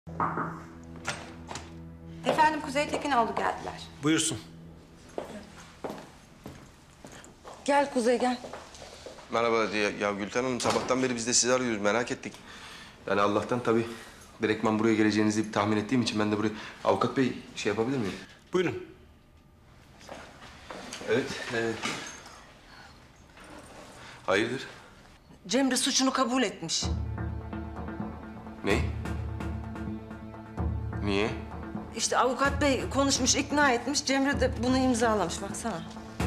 Efendim Kuzey Tekinoğlu geldiler. Buyursun. Gel Kuzey gel. Merhaba ya Gülten Hanım, sabahtan beri biz de sizi arıyoruz, merak ettik. Yani Allah'tan tabii direktman buraya geleceğinizi tahmin ettiğim için ben de buraya... Avukat bey şey yapabilir miyim? Buyurun. Evet. Hayırdır? Cemre suçunu kabul etmiş. Ne? Niye? İşte avukat bey konuşmuş, ikna etmiş. Cemre de bunu imzalamış. Baksana.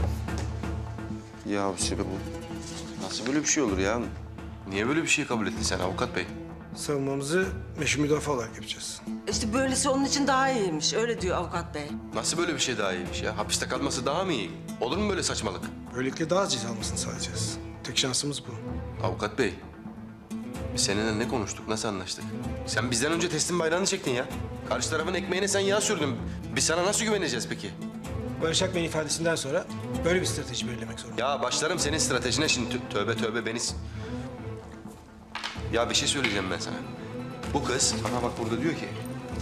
Ya sebep bu. Nasıl böyle bir şey olur ya? Niye böyle bir şey kabul ettin sen avukat bey? Savunmamızı meşru müdafaa olarak yapacağız. İşte böylesi onun için daha iyiymiş. Öyle diyor avukat bey. Nasıl böyle bir şey daha iyiymiş ya? Hapiste kalması daha mı iyi? Olur mu böyle saçmalık? Böylelikle daha az ceza almasını sağlayacağız. Tek şansımız bu. Avukat bey, biz seninle ne konuştuk, nasıl anlaştık? Sen bizden önce teslim bayrağını çektin ya. Karşı tarafın ekmeğine sen yağ sürdün. Biz sana nasıl güveneceğiz peki? Barış Akbey'in ifadesinden sonra böyle bir strateji belirlemek zorunda. Ya başlarım senin stratejine şimdi. Tövbe tövbe beni... Ya bir şey söyleyeceğim ben sana. Bu kız, aha bak burada diyor ki...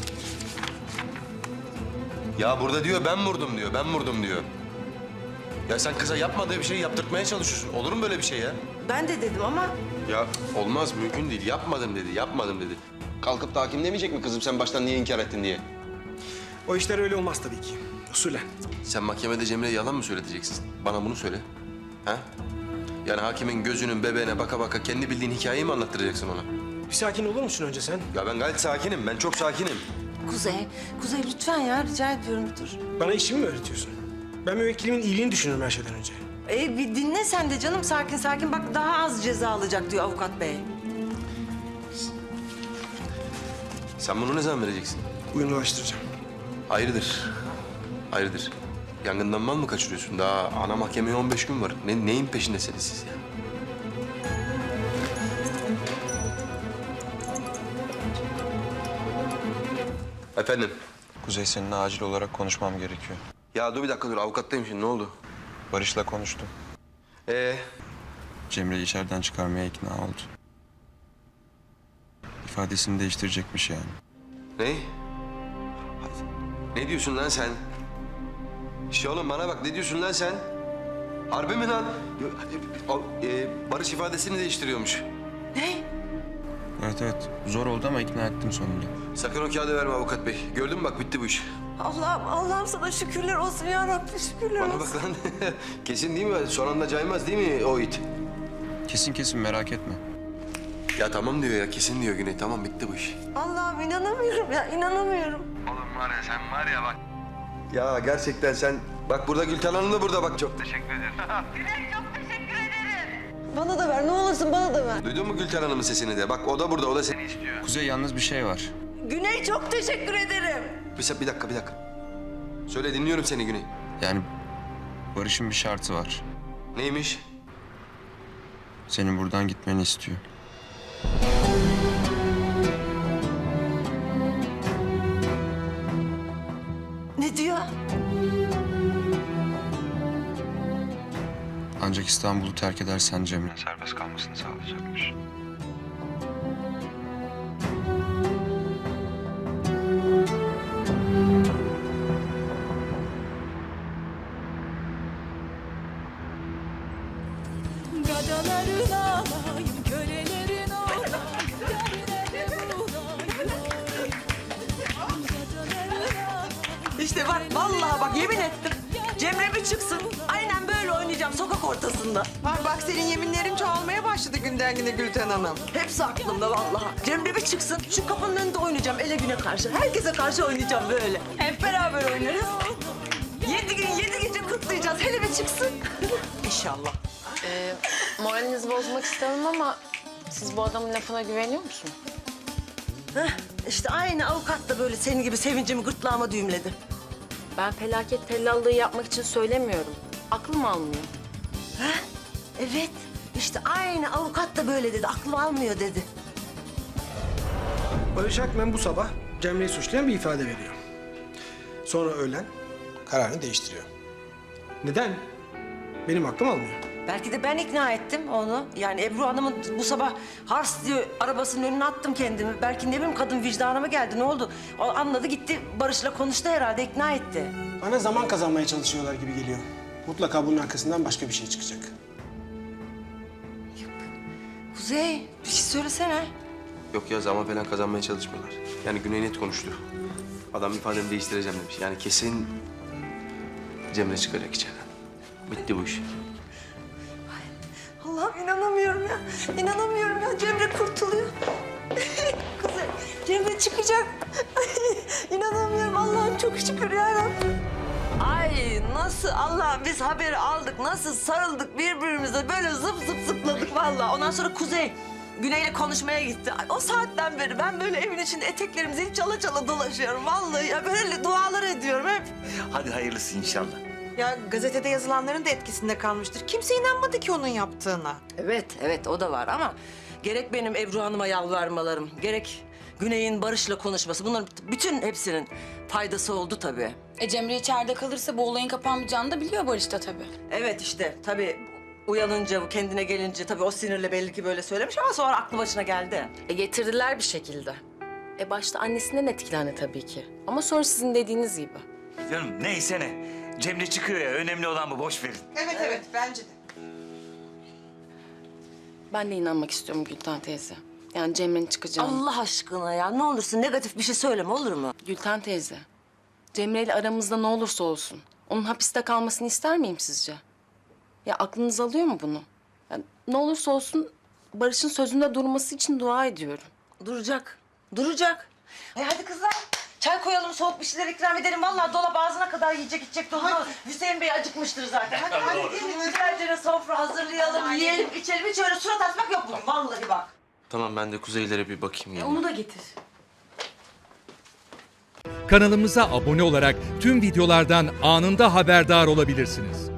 Ya burada diyor ben vurdum diyor, ben vurdum diyor. Ya sen kıza yapmadığı bir şeyi yaptırtmaya çalışıyorsun. Olur mu böyle bir şey ya? Ben de dedim ama Ya olmaz, mümkün değil. Yapmadım dedi, yapmadım dedi. Kalkıp da hakim demeyecek mi kızım sen baştan niye inkar ettin diye? O işler öyle olmaz tabii ki. Usulen. Sen mahkemede Cemre'ye yalan mı söyleteceksin? Bana bunu söyle. Ha? Yani hakimin gözünün bebeğine baka baka kendi bildiğin hikayeyi mi anlattıracaksın ona? Bir sakin olur musun önce sen? Ya ben gayet sakinim, ben çok sakinim. Kuzey lütfen ya rica ediyorum bir dur. Bana işimi mi öğretiyorsun? Ben müvekkilimin iyiliğini düşünüyorum her şeyden önce. Bir dinle sen de canım sakin sakin. Bak daha az ceza alacak diyor avukat bey. Sen bunu ne zaman vereceksin? Bugün ulaştıracağım. Hayırdır? Hayırdır? Yangından mal mı kaçırıyorsun? Daha ana mahkemeye 15 gün var. Neyin peşindesiniz siz ya? Efendim? Kuzey, seninle acil olarak konuşmam gerekiyor. Ya dur bir dakika dur, avukattayım şimdi, ne oldu? Barış'la konuştum. Cemre'yi içeriden çıkarmaya ikna oldu. İfadesini değiştirecekmiş yani. Ne? Ne diyorsun lan sen? Oğlum bana bak, ne diyorsun lan sen? Harbi mi lan? Barış ifadesini değiştiriyormuş. Ne? Evet. Zor oldu ama ikna ettim sonunda. Sakın o kağıdı verme avukat bey. Gördün mü bak, bitti bu iş. Allah'ım sana şükürler olsun ya Rabbi şükürler Bana olsun. bak lan. Kesin değil mi? Son anda caymaz değil mi o it? Kesin merak etme. Ya tamam diyor ya, kesin diyor Güney. Tamam, bitti bu iş. Allah'ım inanamıyorum ya inanamıyorum. Oğlum var ya, sen var ya bak. Ya gerçekten sen... Bak burada Gülten Hanım da burada bak. Çok teşekkür ederim. Bana da ver ne olursun bana da ver. Duydun mu Gülten Hanım'ın sesini de? Bak o da burada, o da seni istiyor. Kuzey, yalnız bir şey var. Güney çok teşekkür ederim. Bir dakika. Söyle, dinliyorum seni Güney. Yani Barış'ın bir şartı var. Neymiş? Senin buradan gitmeni istiyor. Ne diyor? Ancak İstanbul'u terk edersen Cemre'nin serbest kalmasını sağlayacakmış. Gadaların ağlayın, kölelerin olayın, derine bulayın. İşte bak vallahi bak yemin ettim. Cemre bir çıksın. Aynen böyle oynayacağım sokak ortasında. Bak senin yeminlerin çoğalmaya başladı günden güne Gülten Hanım. Hepsi aklımda vallahi. Cemre bir çıksın. Şu kapının önünde oynayacağım ele güne karşı. Herkese karşı oynayacağım böyle. Hep beraber oynarız. 7 gün 7 gece kutlayacağız. Hele bir çıksın. İnşallah. Moralinizi bozmak istemem ama siz bu adamın lafına güveniyor musunuz? İşte aynı avukat da böyle senin gibi sevincimi gırtlağıma düğümledi. Ben felaket tellallığı yapmak için söylemiyorum. Aklım almıyor. Evet. İşte aynı avukat da böyle dedi. Aklım almıyor dedi. Barış Akmen bu sabah Cemre'yi suçlayan bir ifade veriyor. Sonra öğlen kararını değiştiriyor. Neden? Benim aklım almıyor. Belki de ben ikna ettim onu. Yani Ebru Hanım'ın bu sabah hars diye arabasının önüne attım kendimi. Belki ne bileyim kadın vicdanıma geldi. Ne oldu? O anladı gitti Barış'la konuştu herhalde ikna etti. Bana zaman kazanmaya çalışıyorlar gibi geliyor. Mutlaka bunun arkasından başka bir şey çıkacak. Kuzey bir şey söylesene. Yok ya zaman falan kazanmaya çalışmıyorlar. Yani Güney net konuştu. Adam ifademi değiştireceğim demiş. Yani kesin Cemre çıkacak içeriden. Bitti bu iş. Allah'ım inanamıyorum ya. İnanamıyorum ya. Cemre kurtuluyor. Kuzey, Cemre çıkacak. İnanamıyorum. Allah'ım çok şükür yarabbim. Ay nasıl Allah'ım biz haberi aldık. Nasıl sarıldık birbirimize. Böyle zıp zıp zıpladık vallahi. Ondan sonra Kuzey Güney'le konuşmaya gitti. Ay, o saatten beri ben böyle evin içinde eteklerimizi çala çala dolaşıyorum. Vallahi ya böyle dualar ediyorum hep. Hadi hayırlısı inşallah. Ya gazetede yazılanların da etkisinde kalmıştır. Kimse inanmadı ki onun yaptığına. Evet o da var ama gerek benim Ebru Hanım'a yalvarmalarım, gerek Güney'in Barış'la konuşması, bunların bütün hepsinin faydası oldu tabii. Cemre içeride kalırsa bu olayın kapanmayacağını da biliyor Barış da tabii. Evet işte tabii uyanınca, kendine gelince tabii o sinirle belli ki böyle söylemiş ama sonra aklı başına geldi. Getirdiler bir şekilde. Başta annesinden etkilendi tabii ki. Ama sonra sizin dediğiniz gibi. Canım neyse ne. Cemre çıkıyor ya. Önemli olan bu. Boş verin. Evet bence de. Ben de inanmak istiyorum Gülten teyze. Yani Cemre'nin çıkacağını. Allah aşkına ya ne olursun negatif bir şey söyleme olur mu? Gülten teyze, Cemre ile aramızda ne olursa olsun onun hapiste kalmasını ister miyim sizce? Ya aklınız alıyor mu bunu? Ya, ne olursa olsun Barış'ın sözünde durması için dua ediyorum. Duracak. Hadi kızlar. Çay koyalım, soğuk bir şeyler ikram edelim. Vallahi dolap ağzına kadar yiyecek içecek dolu. Hüseyin Bey acıkmıştır zaten. Hadi gelin güzelce sofra hazırlayalım, yiyelim, içelim. Hiç öyle surat asmak yok bugün. Vallahi bak. Tamam ben de kuzeylere bir bakayım. geleyim. Onu da getir. Kanalımıza abone olarak tüm videolardan anında haberdar olabilirsiniz.